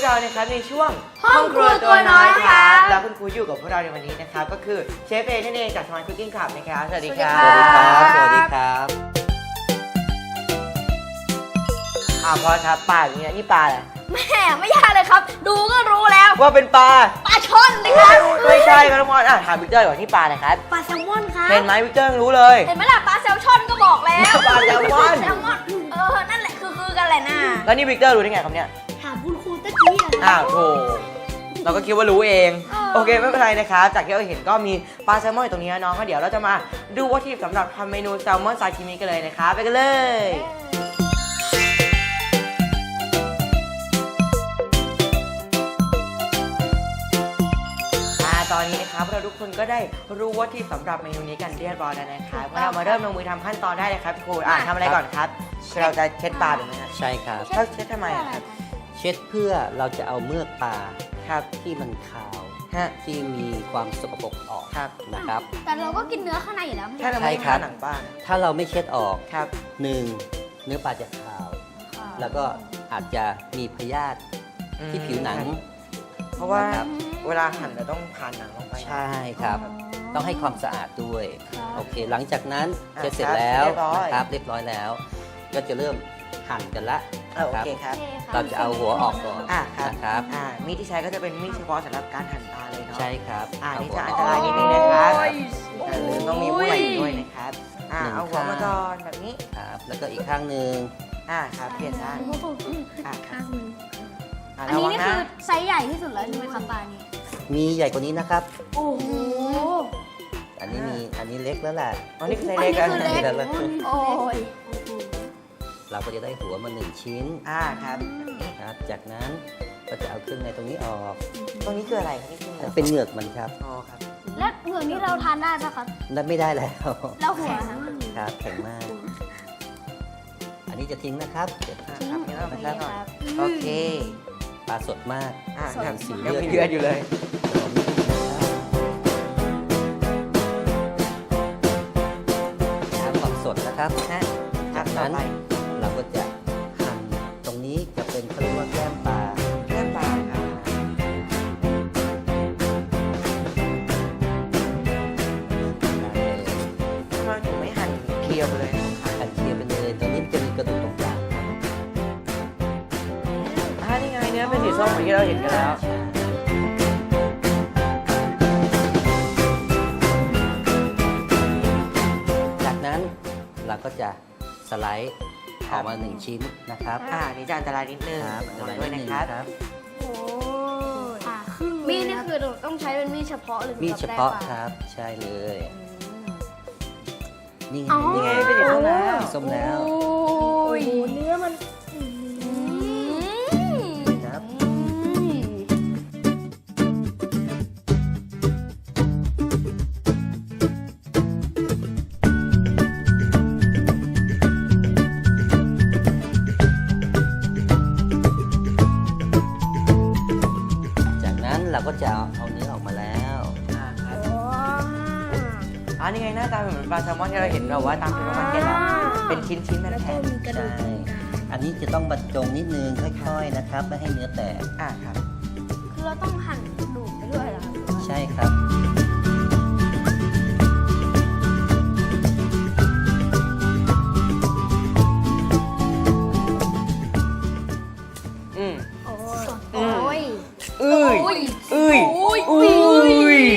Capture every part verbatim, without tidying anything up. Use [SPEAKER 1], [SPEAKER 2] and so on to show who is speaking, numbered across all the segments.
[SPEAKER 1] กเรานะครับในช่วง
[SPEAKER 2] ห้องครัวตัวน้อยครับ
[SPEAKER 1] แล้วคุณครูอยู่กับพวกเราในวันนี้นะครับก็คือเชฟเอนั่นเองจากสมาร์ทคุกกิ้งคลับนะครับสวัสดีครับ
[SPEAKER 2] สวัสดีครับ
[SPEAKER 3] สวัสดีครับ
[SPEAKER 1] อ่าพอครับปลาอย่างเงี้ยนี่ปลาอะไร
[SPEAKER 2] แม่ไม่ยากเลยครับ ดูก็รู้แล้ว
[SPEAKER 1] ว่าเป็นปลา
[SPEAKER 2] ปลาช่อนเลยครับ
[SPEAKER 1] ไม่ใช่ครับทุกคนอ่ะถามวิกเตอร์ก่อนที่ปลาอะไรครับ
[SPEAKER 2] ปลาแซลมอนครับ
[SPEAKER 1] เห็นไหมวิกเตอร์รู้เลย
[SPEAKER 2] เห็นไหมล่ะปลาแซลชอนก็บอกแล้ว
[SPEAKER 1] ปลาแซลมอน
[SPEAKER 2] แซลมอนเออนั่นแหละคือคือกันแหละน่ะ
[SPEAKER 1] แล้วนี่วิกเตอร์รู้ได้ไงครับเนี่ย
[SPEAKER 2] ถามคุณครูตะกี้อะ
[SPEAKER 1] อ้าวโถเราก็คิดว่ารู้เอง โอเคไม่เป็นไรนะครับจากที่เราเห็นก็มีปลาแซลมอนอยู่ตรงนี้นะน้องก็เดี๋ยวเราจะมาดูวัตถุดิบสำหรับทำเมนูแซลมอนซาชิมิกันเลยนะครับไปกันเลยอ่าตอนนี้นะครับเราทุกคนก็ได้รู้วัตถุดิบสำหรับเมนูนี้กันเรียบร้อยแล้วนะครับงั้นเรามาเริ่มลงมือทำขั้นตอนได้เลยครับพี่ครูอ่าทำอะไรก่อนครับเราจะเช็ดปลาถูกไหมครับ
[SPEAKER 3] ใช่ครับ
[SPEAKER 1] ถ้าเช็ดทำไมอะครับ
[SPEAKER 3] เช็ดเพื่อเราจะเอาเมือกปลา
[SPEAKER 1] ครับ
[SPEAKER 3] ที่มันขาว
[SPEAKER 1] ฮะ
[SPEAKER 3] ที่มีความสกปรกออก
[SPEAKER 1] ครับ
[SPEAKER 3] นะครับ
[SPEAKER 2] แต่เราก็กินเนื้อข้างในอยู่แล้ว
[SPEAKER 1] ถ้าเราไม่
[SPEAKER 3] ใช่ครั
[SPEAKER 1] ทา
[SPEAKER 3] บ
[SPEAKER 1] หนังปลานะ
[SPEAKER 3] ถ้าเราไม่เช็ดออก
[SPEAKER 1] ครับ
[SPEAKER 3] หนึ่งเนื้อปลาจะขาว แล้วก็อาจจะมีพยาธิที่ผิวหนัง
[SPEAKER 1] เพราะว่า
[SPEAKER 3] ครับ
[SPEAKER 1] เวลาหั่นเราต้องผ่านหนังลงไป
[SPEAKER 3] ใช่ครับ ต้องให้ความสะอาดด้วย โอเค หลังจากนั้น
[SPEAKER 1] อ่ะ
[SPEAKER 3] เช็ดเสร็จ
[SPEAKER 1] ครับ
[SPEAKER 3] แล้ว
[SPEAKER 1] เรียบร้อย
[SPEAKER 3] นะครับเรียบร้อยแล้ว ก็จะเริ่มหั่นกันละ
[SPEAKER 1] เออโอเคครับ
[SPEAKER 3] เราจะเอาหัวออกก่อน
[SPEAKER 1] อ่ะครับ
[SPEAKER 3] นะครับ
[SPEAKER 1] อ่ามีดที่ใช้ก็จะเป็นมีดเฉพาะสำหรับการหั่นปลาเลยเนาะ
[SPEAKER 3] ใช่ครับ
[SPEAKER 1] อ่า
[SPEAKER 3] เ
[SPEAKER 1] นี่จะ
[SPEAKER 3] หั
[SPEAKER 1] อัน
[SPEAKER 3] ว
[SPEAKER 1] ต
[SPEAKER 3] อ
[SPEAKER 1] ราย
[SPEAKER 3] อก
[SPEAKER 1] นิดนึงนะครับ
[SPEAKER 2] โอ้ย
[SPEAKER 1] แต่ลืมต้องมีผู้ใหญ่ด้วยนะครับอ่า
[SPEAKER 3] หนึ่ง
[SPEAKER 1] เอาหัวมา
[SPEAKER 3] ข้าง
[SPEAKER 1] ก่อนแบบนี้
[SPEAKER 3] ครับ แล้วก็อีกข้างหนึ่ง
[SPEAKER 1] อ่าครับเปลี่ยนด้านอ่าครับอ่า
[SPEAKER 2] อัน
[SPEAKER 1] ระ
[SPEAKER 2] นี้
[SPEAKER 1] วัง
[SPEAKER 2] นี่
[SPEAKER 1] นะ
[SPEAKER 2] คือไซส์ใหญ่ที่สุดแล้วใช่ไหมครับปลานี้
[SPEAKER 3] มีใหญ่กว่านี้นะครับ
[SPEAKER 2] โอ้โห
[SPEAKER 3] อันนี้มีอันนี้เล็กแล้วแหละ
[SPEAKER 1] อ๋อนี่คือไซส์เล็กกัน
[SPEAKER 2] อันนี้คือเล็ก โอ้ย
[SPEAKER 3] เราก็จะได้หัวมาหนึ่งชิ้น
[SPEAKER 1] อ่าครับ
[SPEAKER 3] ครับ จากนั้นก็จะเอาเครื่องในตรงนี้ออก
[SPEAKER 1] ตรงนี้คืออะไรครับนี่คือ
[SPEAKER 3] เป็นเหงือกมันครับ
[SPEAKER 1] อ๋อครับ
[SPEAKER 2] แล้วเหมือนนี้เราทานได้ปะครับ
[SPEAKER 3] นั่นไม่ได้แล้ว
[SPEAKER 2] แล้วหัว
[SPEAKER 3] ครับแข็งมาก อันนี้จะทิ้งนะครับเดี๋ยว
[SPEAKER 1] อ่าครับนี่เราไปแล้วก่อน
[SPEAKER 2] ครับ
[SPEAKER 1] โอเค
[SPEAKER 3] ปลาสดมาก
[SPEAKER 1] อ่า
[SPEAKER 3] สด
[SPEAKER 1] ครับ
[SPEAKER 3] สี
[SPEAKER 1] ยัง
[SPEAKER 3] เลือด
[SPEAKER 1] มีเลือดอยู่เลย
[SPEAKER 3] ครับความสดนะครับ
[SPEAKER 1] ฮะครั
[SPEAKER 3] จา
[SPEAKER 1] บ
[SPEAKER 3] ก
[SPEAKER 1] ต่อ
[SPEAKER 3] นั้น
[SPEAKER 1] ไป
[SPEAKER 3] เราก็จะหั่นตรงนี้จะเป็นเขาเรียกว่าแก้มปลา
[SPEAKER 1] เลือดปลาครับ ทำไมถึงไม่หั่นเคลียร์ไปเลยครับ
[SPEAKER 3] หั่นเคลียร์ไปเลยตรงนี้มันจะมีกระดูกตรงกลาง
[SPEAKER 1] อ่านี่ไงเนื้อเป็นสีส้มเหมือนที่เราเห็นกันแล้ว
[SPEAKER 3] จากนั้นเราก็จะสไลด์ออกมาหนึ่งชิ้นนะครับ
[SPEAKER 1] อ่านี่จะอันตรายนิดนึง
[SPEAKER 3] ครับ
[SPEAKER 1] ระ
[SPEAKER 3] สไล
[SPEAKER 1] วัง
[SPEAKER 3] ด์
[SPEAKER 1] ด้วย
[SPEAKER 3] นิด
[SPEAKER 1] นะ
[SPEAKER 3] นึง
[SPEAKER 1] ครับ
[SPEAKER 3] ครับ
[SPEAKER 2] โอ้ยมีดนี่คือเราต้องใช้เป็นมีดเฉพาะหรือ
[SPEAKER 3] มีดเฉพาะ
[SPEAKER 2] สำห
[SPEAKER 3] ค
[SPEAKER 2] แปลงปล
[SPEAKER 3] รับ ใช่เลย นี่ไง
[SPEAKER 2] อ๋อ
[SPEAKER 1] นี่ไงเป็นสีส้มแล้ว
[SPEAKER 3] ส้มแล้ว
[SPEAKER 2] โอ้ยเนื้อมัน
[SPEAKER 3] ครับ จากนั้นเราก็จะเอาเอาเนื้อออกมาแล้ว
[SPEAKER 1] อ่าครับอ่านี่ไงหน้าตาเหมือนปลาแซลมอนที่เราเห็นเราว่าตามซูเปอร์มาร์เก็ตแล้วเป็นชิ้นชิ้นๆแผ่น
[SPEAKER 3] ใช่ อันนี้จะต้องบรรจงนิดนึงค่อยๆนะครับ ไม่ให้เนื้อแตก
[SPEAKER 1] ๆอ่าครับ
[SPEAKER 2] คือเราต้องหั่นดูดไปด้วยเหรอครับ
[SPEAKER 3] ใช่ครับ
[SPEAKER 1] อืม
[SPEAKER 2] โอ้ย
[SPEAKER 1] อืม
[SPEAKER 2] โอ้ย
[SPEAKER 1] อุ้ย
[SPEAKER 2] โอ้ย
[SPEAKER 1] อุ้ย
[SPEAKER 2] โอ้ย
[SPEAKER 1] อุ้ย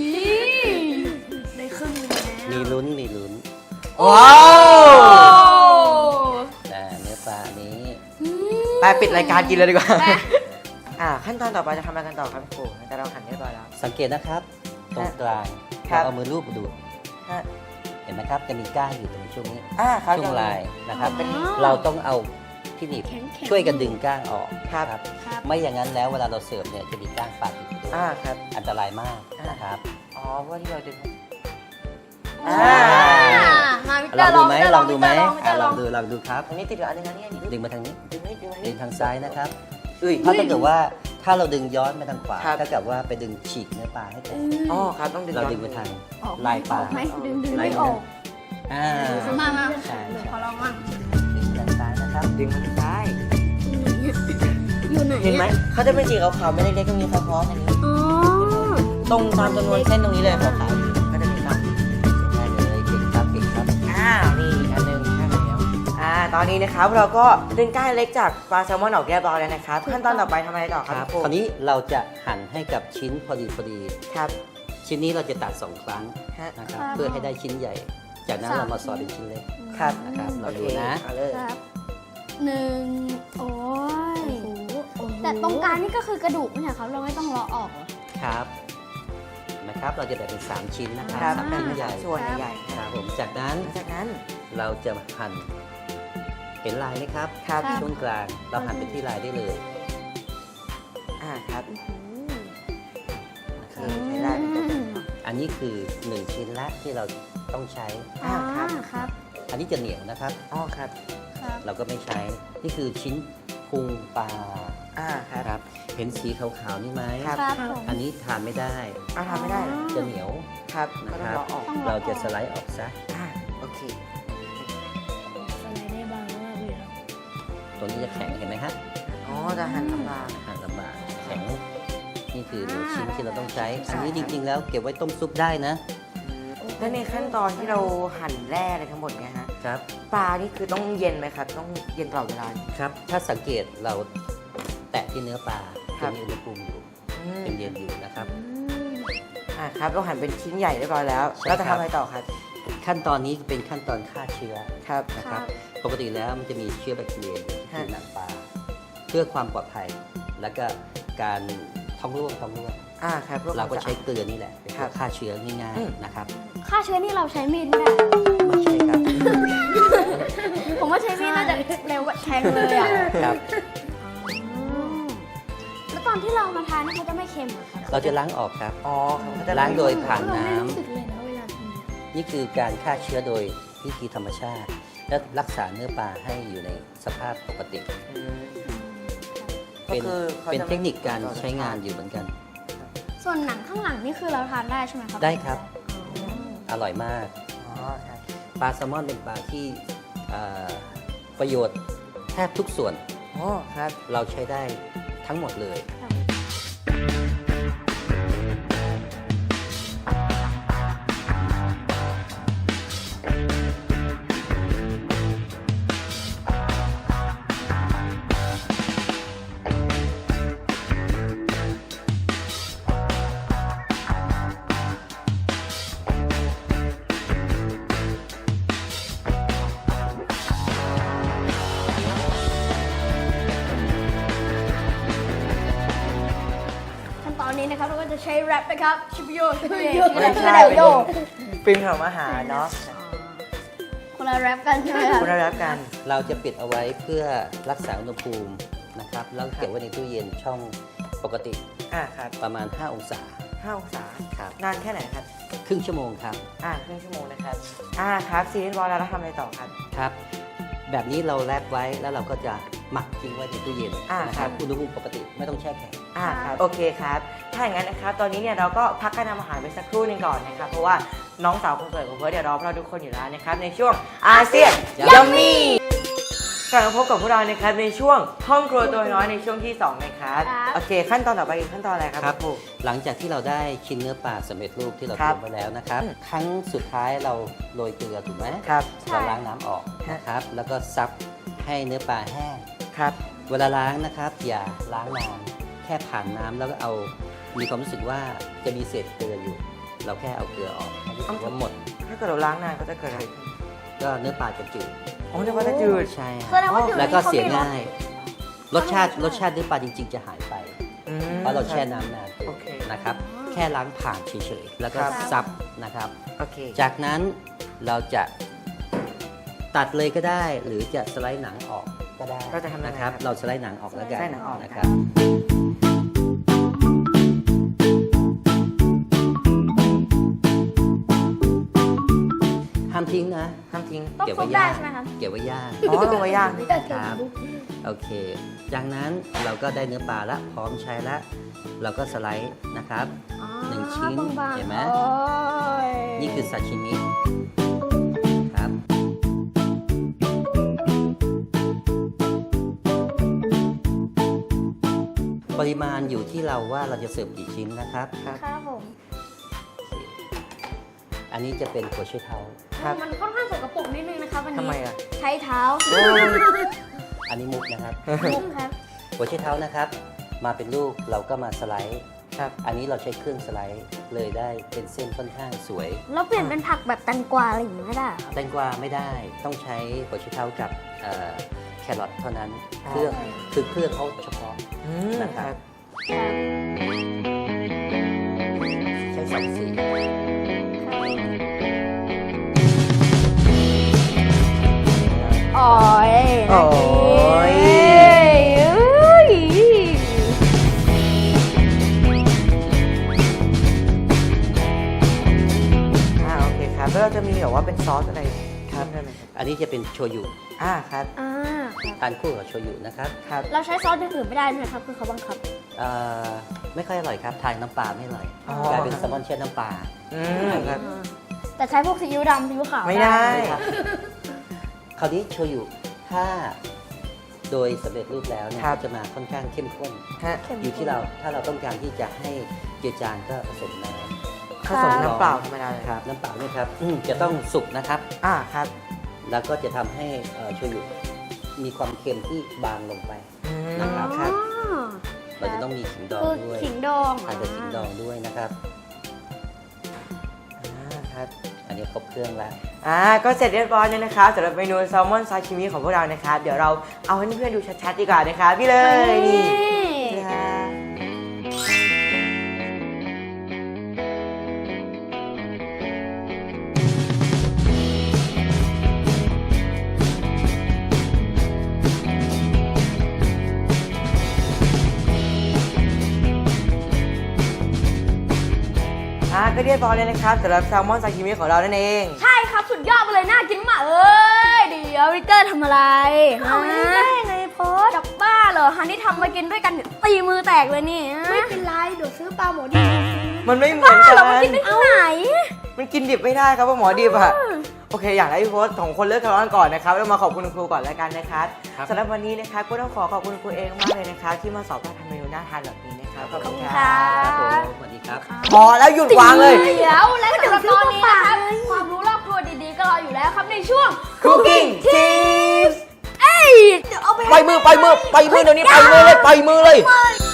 [SPEAKER 2] ได้ครึ่งหนึงแล้ว
[SPEAKER 3] มีลุ้น มีลุ้น
[SPEAKER 1] ว้าว
[SPEAKER 3] อ่าเนื้อปลานี้
[SPEAKER 1] ไปปิดรายการกินเลยดีกว่า อ่าขั้นตอนต่อไปจะทำอะไรกันต่อครับพี่ครูแต่เราหั่นเรียบร้อยแล้ว
[SPEAKER 3] สังเกตนะครับ ตรงกลาง
[SPEAKER 1] ครับ
[SPEAKER 3] เราเอามือลูบดู
[SPEAKER 1] ฮะ
[SPEAKER 3] เห็นไหมครับ จะมีก้างอยู่ตรงช่วงนี้
[SPEAKER 1] อ่าครับ
[SPEAKER 3] ช่วงลายนะครับ
[SPEAKER 1] เป็น
[SPEAKER 3] เราต้องเอาที่หนีบ
[SPEAKER 2] แข็งๆ
[SPEAKER 3] ช่วยกันดึงก้างออก
[SPEAKER 1] ครับ
[SPEAKER 2] ครับ
[SPEAKER 3] ไม่อย่างนั้นแล้วเวลาเราเสิร์ฟเนี่ยจะมีก้างปาดอยู่ด้วย
[SPEAKER 1] อ่าครับ
[SPEAKER 3] อันตรายมากนะครับ
[SPEAKER 1] อ๋อเพราะว่าที่เราดึง
[SPEAKER 2] อ่า
[SPEAKER 1] อ่า
[SPEAKER 2] มาวิกเต
[SPEAKER 3] ล
[SPEAKER 2] อ
[SPEAKER 3] อง
[SPEAKER 2] ร์ล
[SPEAKER 3] ดู
[SPEAKER 2] อง
[SPEAKER 3] ไหม
[SPEAKER 2] วิกเตอร์
[SPEAKER 3] ลองดูไหม
[SPEAKER 2] ลองวิกเต
[SPEAKER 3] อ่ะ
[SPEAKER 2] อร์
[SPEAKER 3] ล
[SPEAKER 2] ล
[SPEAKER 3] อ
[SPEAKER 2] อง ง
[SPEAKER 3] ดูลองดูครับ
[SPEAKER 1] อันนี้ติดเหลืออันนึงอันนี้อันนี้
[SPEAKER 3] ดึงมาทางนี้
[SPEAKER 1] ดึงนิดดึงนิ
[SPEAKER 3] ดึ
[SPEAKER 1] ด
[SPEAKER 3] งทางซ้ายนะครับ
[SPEAKER 1] อุ้ย
[SPEAKER 3] เพราะถ้าเกิดว่าถ้าเราดึงย้อนไปทางขวา
[SPEAKER 1] ครับ
[SPEAKER 3] ถ้าเกิดว่าไปดึงฉีกเนื้อปลาให้แตก
[SPEAKER 1] อ๋อครับต้องดึง
[SPEAKER 3] เรา
[SPEAKER 1] ย้อน
[SPEAKER 3] ดึงไปทาง
[SPEAKER 2] ออก
[SPEAKER 3] ลายปลา
[SPEAKER 2] ออกไหมดึงดึง
[SPEAKER 3] ลาย
[SPEAKER 2] ไม่ออก
[SPEAKER 3] อ่า
[SPEAKER 2] มามา
[SPEAKER 3] ใช่
[SPEAKER 2] เดี๋ยว
[SPEAKER 3] ใช่
[SPEAKER 2] ขอลองมั่ง
[SPEAKER 3] ดึงทางซ้ายนะครับ
[SPEAKER 1] ดึงมันซ้าย
[SPEAKER 2] มอยู่ไหน
[SPEAKER 1] เห็นไหมเขาจะเป็นสีขาวๆไม่เล็กๆตรงนี้ครับพอสอันนี้
[SPEAKER 2] อ๋อ
[SPEAKER 1] ตรงตามจำนวนเส้นตรงนี้เลยขาวๆอยู่ก็จะมีครับ
[SPEAKER 3] ได้เลยเก่งครับเก่งครับ
[SPEAKER 1] อ่านี่อันหนึงใช่แล้วอ่าตอนนี้นะครับเราก็ดึงก้านเล็กจากปลาแซลมอนออกเรียบร้อยแล้วนะครับขั้นตอนต่อไปทำอะไรต่อค
[SPEAKER 3] ค
[SPEAKER 1] รั
[SPEAKER 3] รั
[SPEAKER 1] บบ ครู
[SPEAKER 3] คราวนี้เราจะหั่นให้กับชิ้นพอดีพอดี
[SPEAKER 1] ครับ
[SPEAKER 3] ชิ้นนี้เราจะตัดสองครั้ง
[SPEAKER 1] ฮะ
[SPEAKER 3] นะครับเพื่อให้ได้ชิ้นใหญ่ จากนั้นเรามาซอยเป็นชิ้นเล็ก
[SPEAKER 1] ครับ
[SPEAKER 3] นะครับ
[SPEAKER 1] โอ
[SPEAKER 3] เรา
[SPEAKER 1] เค
[SPEAKER 3] ดูนะ
[SPEAKER 1] เอาเลย
[SPEAKER 2] ครับหนึ่งโอ้ยแต่ตรงกลางนี่ก็คือกระดูกไม่ใช่ครับ เราไม่ต้องเลาะออกเหรอ
[SPEAKER 3] ครับนะครับเราจะแบ่งเป็นสามชิ้นนะค
[SPEAKER 1] ค
[SPEAKER 3] รั
[SPEAKER 1] รั
[SPEAKER 3] บบ สาม
[SPEAKER 1] แบ่ง
[SPEAKER 3] ชิ้น
[SPEAKER 1] เป็น
[SPEAKER 3] ใหญ่
[SPEAKER 1] ส่วนใหญ่ๆ
[SPEAKER 3] ค
[SPEAKER 1] ค
[SPEAKER 3] รั
[SPEAKER 1] รั
[SPEAKER 3] บบ ผมจากนั้น
[SPEAKER 1] หลังจากนั้น
[SPEAKER 3] เราจะหั่นเห็นลายไหมครับ
[SPEAKER 1] ครับ
[SPEAKER 3] ช่วงกลางเราหั่นไปที่ลายได้เลย
[SPEAKER 1] อ่าครับ
[SPEAKER 3] นะครับ
[SPEAKER 1] นี่ใช้ได้เป็นตัวอย่าง
[SPEAKER 3] อันนี้คือหนึ่งชิ้นละที่เราต้องใช้
[SPEAKER 1] อ่าครับ
[SPEAKER 2] ครับ
[SPEAKER 3] อันนี้จะเหนียวนะครับ
[SPEAKER 1] อ๋อครับ
[SPEAKER 2] ครับ
[SPEAKER 3] เราก็ไม่ใช้ นี่คือชิ้นพุงปลา
[SPEAKER 1] อ่าครับ
[SPEAKER 3] ครับ เห็นสีขาวๆนี่ไหม
[SPEAKER 1] ครับ
[SPEAKER 2] ครับผม
[SPEAKER 3] อันนี้ทานไม่ได้
[SPEAKER 1] อ่าทำไม่ได้เหรอ
[SPEAKER 3] จะเหนียว
[SPEAKER 1] ครับก็
[SPEAKER 3] นะ
[SPEAKER 1] ต้อง
[SPEAKER 3] ครับ
[SPEAKER 1] รอออก
[SPEAKER 3] เราจะสไลด์ออกซะ
[SPEAKER 1] อ่าโอเค
[SPEAKER 2] อะไรได้บางมากเลยครับ
[SPEAKER 3] ตัวนี้จะแข็งเห็นไหมครับ
[SPEAKER 1] อ๋อจะหั่นลำบาก
[SPEAKER 3] หั่นลำบากแข็ง นี่คือหนึ่ง
[SPEAKER 2] อ่า
[SPEAKER 3] ชิ้นที่เราต้องใช้
[SPEAKER 1] ได้
[SPEAKER 3] อันนี้จริงๆแล้วเก็บไว้ต้มซุปได้นะ
[SPEAKER 1] แล้วในขั้นตอนที่เราหั่นแร่อะไรทั้งหมดเนี่ยฮะ
[SPEAKER 3] ครับ
[SPEAKER 1] ปลานี่คือต้องเย็นไหมครับ ต้องเย็นตลอดเวลา
[SPEAKER 3] ครับ ถ้าสังเกตเราแตะที่เนื้อปลา
[SPEAKER 1] ครั
[SPEAKER 3] จะ
[SPEAKER 1] บ
[SPEAKER 3] มีอุณหภูมิอยู่
[SPEAKER 1] อืม
[SPEAKER 3] เป็นเย็นอยู่นะครับ
[SPEAKER 1] อ่าครับเราหั่นเป็นชิ้นใหญ่เรียบร้อยแล้ว
[SPEAKER 3] ใช่
[SPEAKER 1] เราจะ
[SPEAKER 3] ครั
[SPEAKER 1] ทำ
[SPEAKER 3] บ
[SPEAKER 1] อะไรต่อครับ
[SPEAKER 3] ขั้นตอนนี้เป็นขั้นตอนฆ่าเชื้อ
[SPEAKER 1] ครับ
[SPEAKER 3] นะครับ ปกติแล้วมันจะมีเชื้อแบคทีเรียอยู่ที่
[SPEAKER 1] ฮะ
[SPEAKER 3] ผิวหนังปลา เพื่อความปลอดภัย แล้วก็การท้องร่วงท้องร่วง
[SPEAKER 1] อ่าครับพื่อ
[SPEAKER 3] เราก็
[SPEAKER 1] ควม
[SPEAKER 3] ใช้
[SPEAKER 1] สะอาด
[SPEAKER 3] เกลือนี่แหละเป็น
[SPEAKER 1] ครั
[SPEAKER 3] ตัว
[SPEAKER 1] บ
[SPEAKER 3] ฆ่าเชื้อง่าย
[SPEAKER 1] อืม
[SPEAKER 3] ๆนะครับ
[SPEAKER 2] ฆ่าเชื้อนี่เราใช้มีดไม่ได้
[SPEAKER 3] ไม่ใช่ครับ
[SPEAKER 2] ผมว่าใช้มีดน่าจะเร็วกว่าแทงเลยอ่ะ
[SPEAKER 3] ครับ
[SPEAKER 2] แล้วตอนที่เรามาทานนี่เขาจะไม่เค็มเหรอครับ
[SPEAKER 3] เราจะล้างออกครับ
[SPEAKER 1] อ๋อครับก็จะ
[SPEAKER 3] ล้างโดยผ่านน้ำ
[SPEAKER 2] เราไม่รู้สึกเลยนะเวลาทำ
[SPEAKER 3] นี่คือการฆ่าเชื้อโดยวิธีธรรมชาติ และรักษาเนื้อปลาให้อยู่ในสภาพปกติ
[SPEAKER 1] อืม ก็
[SPEAKER 3] เป็น
[SPEAKER 1] คือขา
[SPEAKER 3] เป็น
[SPEAKER 1] จะ
[SPEAKER 3] เทคนิคการ
[SPEAKER 1] ไม่
[SPEAKER 3] ใช้งานอยู่เหมือนกัน
[SPEAKER 2] ส่วนหนังข้างหลังนี่คือเราทานได้ใช่ไหมครับ
[SPEAKER 3] ได้ครับ
[SPEAKER 2] อ๋อ
[SPEAKER 3] อร่อยมาก
[SPEAKER 1] อ๋อครับ
[SPEAKER 3] ปลาแซลมอนเป็นปลาที่เอ่อประโยชน์แทบทุกส่วน
[SPEAKER 1] อ๋อครับ
[SPEAKER 3] เราใช้ได้ทั้งหมดเลย
[SPEAKER 2] ขั้นตอนนี้นะครับเราก็จะใช้แรปนะครับชิปโยชิปโย
[SPEAKER 1] ไม่ใช่
[SPEAKER 2] เดี๋ยวโย
[SPEAKER 1] ฟิล์มทำอาหารเนาะ
[SPEAKER 2] คนละแรปกันใช่ไหมครับ
[SPEAKER 1] คุณได้รับกัน
[SPEAKER 3] เราจะปิดเอาไว้เพื่อรักษาอุณหภูมินะครับ แล้วเก็บไว้ในตู้เย็นช่องปกติ
[SPEAKER 1] อ่าครับ
[SPEAKER 3] ประมาณ ห้า องศา
[SPEAKER 1] ห้าองศา
[SPEAKER 3] ครับ
[SPEAKER 1] นานแค่ไหนครับ
[SPEAKER 3] ครึ่งชั่วโมงครับ
[SPEAKER 1] อ่าครึ่งชั่วโมงนะครับ อ่าครับซีรีส์บอลแล้วเราทำอะไรต่อครับ
[SPEAKER 3] ครับ แบบนี้เราแรปไว้แล้วเราก็จะหมักทิ้งไว้ในตู้เย็น
[SPEAKER 1] อ่า
[SPEAKER 3] นะ
[SPEAKER 1] ค
[SPEAKER 3] ค
[SPEAKER 1] รั
[SPEAKER 3] รับ บอุณหภูมิปกติไม่ต้องแช่แข็ง
[SPEAKER 1] อ่าครับ โอเคครับ ถ้าอย่างนั้นนะครับ ตอนนี้เนี่ยเราก็พักการทำอาหารไปสักครู่หนึงก่อนนะครับ เพราะว่าน้องสาวคนสวยของเพิร์ดเดี๋ยวรอพวกเราทุกคนอยู่แล้วนะครับ ในช่วงอาเซียนยัมมี่กลับมาพบกับพวกเรานะครับในช่วงห้องครัวตัวน้อยในช่วงที่สองนะครับ
[SPEAKER 2] ครับ
[SPEAKER 1] โอเค ขั้นตอนต่อไปคือขั้นตอนอะไรครับ
[SPEAKER 3] ครับ
[SPEAKER 1] ครู
[SPEAKER 3] หลังจากที่เราได้ชิ้นเนื้อปลาสำเร็จรูปที่เรา
[SPEAKER 1] ครั
[SPEAKER 3] เต
[SPEAKER 1] บ
[SPEAKER 3] รียมไว้แล้วนะครับ
[SPEAKER 1] อืม
[SPEAKER 3] ครั้งสุดท้ายเราโรยเกลือถูกไหม
[SPEAKER 1] ครับ
[SPEAKER 3] เราล้างน้ำออกนะครับ แล้วก็ซับให้เนื้อปลาแห้ง
[SPEAKER 1] ครับ
[SPEAKER 3] เวลาล้างนะครับอย่าล้างนานแค่ผ่านน้ำแล้วก็เอามีความรู้สึกว่าจะมีเศษเกลืออยู่ เราแค่เอาเกลือออกให้รู้สึกว่าหมด
[SPEAKER 1] ถ้าเกิดเราล้างนานก็จะเกิดอะไรขึ้น
[SPEAKER 3] ก็เนื้อปลาจะจืด
[SPEAKER 1] โอ้เดี๋ยวว่าจะจืด
[SPEAKER 3] ใช่
[SPEAKER 2] แสดงว่าจืด
[SPEAKER 3] แล้วก็เสีย
[SPEAKER 2] นี่เขามีรส
[SPEAKER 3] ง่าย รสชาติรสชาติเนื้อปลาจริง ๆ จะหายไป
[SPEAKER 1] อืม
[SPEAKER 3] เพราะเราแช่น้ำนาน
[SPEAKER 1] โอเค
[SPEAKER 3] นะครับ แค่ล้างผ่านเฉยๆแล้วก็
[SPEAKER 1] ครับ
[SPEAKER 3] ซับนะครับ
[SPEAKER 1] โอเค
[SPEAKER 3] จากนั้นเราจะตัดเลยก็ได้ หรือจะสไลด์หนังออกก็ได้
[SPEAKER 1] เราจะทำยังไง
[SPEAKER 3] นะครับ
[SPEAKER 1] ครับ
[SPEAKER 3] เราสไลด์หนังออกแล้วกัน
[SPEAKER 1] สไลด์หนังออก
[SPEAKER 3] นะครับ ห้ามทิ้งนะ
[SPEAKER 1] ห้ามทิ้ง
[SPEAKER 2] ต้อง
[SPEAKER 3] เก็บ
[SPEAKER 2] ซุ
[SPEAKER 3] ไว้
[SPEAKER 2] ปได้
[SPEAKER 3] ย่าง
[SPEAKER 2] ใช่ไหมครับ
[SPEAKER 3] เก็บไว้ย่าง
[SPEAKER 1] อ๋อลงไว้ย่าง
[SPEAKER 3] ครับ โอเค จากนั้นเราก็ได้เนื้อปลาละพร้อมใช้ละ เราก็สไลด์นะครับ
[SPEAKER 2] อ๋อ
[SPEAKER 3] หนึ่งชิ้น
[SPEAKER 2] บางๆ
[SPEAKER 3] เห็นไหม
[SPEAKER 2] โอ้ย
[SPEAKER 3] นี่คือซาชิมิครับ
[SPEAKER 2] อ
[SPEAKER 3] ปริมาณอยู่ที่เราว่าเราจะเสิร์ฟกี่ชิ้นนะครับ
[SPEAKER 1] ครับ
[SPEAKER 2] ครับผม
[SPEAKER 3] อันนี้จะเป็นหัวไชเท้า
[SPEAKER 1] ครับ
[SPEAKER 2] มันค่อนข้างสกปรกนิดนึงนะครับวัน
[SPEAKER 1] ทำ
[SPEAKER 2] นี้
[SPEAKER 1] ไมอ่ะ
[SPEAKER 2] ใช้เท้า
[SPEAKER 1] โอ้ย
[SPEAKER 3] อันนี้มุกนะครับ
[SPEAKER 2] มุ้งครับ
[SPEAKER 3] หัวไชเท้านะครับ มาเป็นลูกเราก็มาสไลด์
[SPEAKER 1] ครับ
[SPEAKER 3] อันนี้เราใช้เครื่องสไลด์เลยได้เป็นเส้นค่อนข้างสวย
[SPEAKER 2] แล้วเปลี่ยนเป็นผักแบบแตงกวาอะไรอย่างนี้ไม่ได้เหรอครับ
[SPEAKER 3] แตงกวาไม่ได้ต้องใช้หัวไชเท้ากับเอ่อแครอทเท่านั้น
[SPEAKER 1] อ๋อ
[SPEAKER 3] เครื่องคือเครื่องเขาเฉพาะ
[SPEAKER 1] อืม
[SPEAKER 3] นะครับ
[SPEAKER 1] ครับ
[SPEAKER 3] ใช้สองสี
[SPEAKER 2] โอ้ย
[SPEAKER 1] โอ้ย
[SPEAKER 2] เอ้ย
[SPEAKER 1] อ่าโอเคครับแล้วเราจะมีแบบว่าเป็นซอสอะไรครับได้ไหมครับ
[SPEAKER 3] อันนี้จะเป็นโชยุ
[SPEAKER 1] อ่าครับ
[SPEAKER 2] อ่าครับ
[SPEAKER 3] ทานคู่กับโชยุนะครับ
[SPEAKER 1] ครับ
[SPEAKER 2] เราใช้ซอสอย่างอื่นไม่ได้ไหมครับคือเขาบังคับ
[SPEAKER 3] เอ่อไม่ค่อยอร่อยครับทานน้ำปลาไม่อร่อย
[SPEAKER 1] อ๋อ
[SPEAKER 3] กลายเป็นแซลมอนเช่น้ำปลา
[SPEAKER 1] อืมครับ
[SPEAKER 2] แต่ใช้พวกซีอิ๊วดำซีอิ๊วขาว
[SPEAKER 1] ไม่ได้
[SPEAKER 3] ครับคราวนี้โชยุถ้าโดยสำเร็จรูปแล้วเนี่ย
[SPEAKER 1] ครับ
[SPEAKER 3] ก็จะมาค่อนข้างเข้มข้น
[SPEAKER 1] ฮะ
[SPEAKER 2] เข้มข้น
[SPEAKER 3] อยู่ที่เราถ้าเราต้องการที่จะให้เจือจางก็ผสมน้ำ
[SPEAKER 1] ผสมน้ำเปล่าธรรมดาเลย
[SPEAKER 3] ครับน้ำเปล่าเนี่ยครับอืมจะต้องสุกนะครับ
[SPEAKER 1] อ่าครับ
[SPEAKER 3] แล้วก็จะทำให้เอ่อโชยุมีความเค็มที่บางลงไป
[SPEAKER 1] อืม
[SPEAKER 3] นะครับ
[SPEAKER 1] ครับ
[SPEAKER 2] อ๋อ
[SPEAKER 3] เราจะต้องมีขิงดอง
[SPEAKER 2] คือ
[SPEAKER 3] ด้วย
[SPEAKER 2] ขิงดอง
[SPEAKER 3] ทานกับขิงดองด้วยนะครับ
[SPEAKER 1] อ่าครับ
[SPEAKER 3] อันนี้ครบเครื่องแล้ว
[SPEAKER 1] อ่าก็เสร็จเรียบร้อยแล้วนะครับสำหรับเมนูแซลมอนซาชิมิของพวกเรานะครับ เดี๋ยวเราเอาให้เพื่อนๆดูชัดๆดีกว่านะครับพี่เลยนี่นี่ครับอ่าก็เรียบร้อยเลยนะครับสำหรับแซลมอนซาชิมิของเรานั่นเอง
[SPEAKER 2] ใช่ครับสุดยอดไปเลยน่ากินมากเอ้ยเดี๋ยววิกเตอร์ทำอะไร
[SPEAKER 4] เอาไม่ได้ไงโพส
[SPEAKER 2] จับบ้าเหรอฮันนี่ทำมากินด้วยกันเนี่ยตีมือแตกเลยนี่
[SPEAKER 4] ไม่เป็นไรเดี๋ยวซื้อปลาหมอดีมาซื้อ
[SPEAKER 1] มันไม่เหมือน
[SPEAKER 2] บ้า
[SPEAKER 1] กั
[SPEAKER 2] เหรอมาน กินได้ที่ไหน
[SPEAKER 1] มันกินดิบไม่ได้ครับว่าหมอดิบอะโอเค อยากให้พี่โพสของคนเลิกทะเลาะกันก่อนนะครับแล้วมาขอบคุณคุณครูก่อนแล้วกันนะครับ
[SPEAKER 3] ครับ
[SPEAKER 1] สำหรับวันนี้นะครับก็ต้องขอขอบคุณครูเองมากเลยนะครับที่มาสอนการทำเมนูน่าทานแบบนี้นะครับขอบคุณค
[SPEAKER 2] ครั
[SPEAKER 1] รับ
[SPEAKER 3] ครับผมสวัสดีครับ
[SPEAKER 1] พอแล้วหยุดวางเลย
[SPEAKER 2] เดี๋ยวและสำหรับตอนนี้นะครับความรู้รอบครัวดีๆก็รออยู่แล้วครับในช่วง
[SPEAKER 1] Cooking Tips
[SPEAKER 2] เอ้ยเดี๋ยวเอาไป
[SPEAKER 1] ปล่อยมือปล่อยมือปล่อยมือเดี๋ยวนี้ปล่อยมือเลยปล่อยมือเลย
[SPEAKER 2] ให้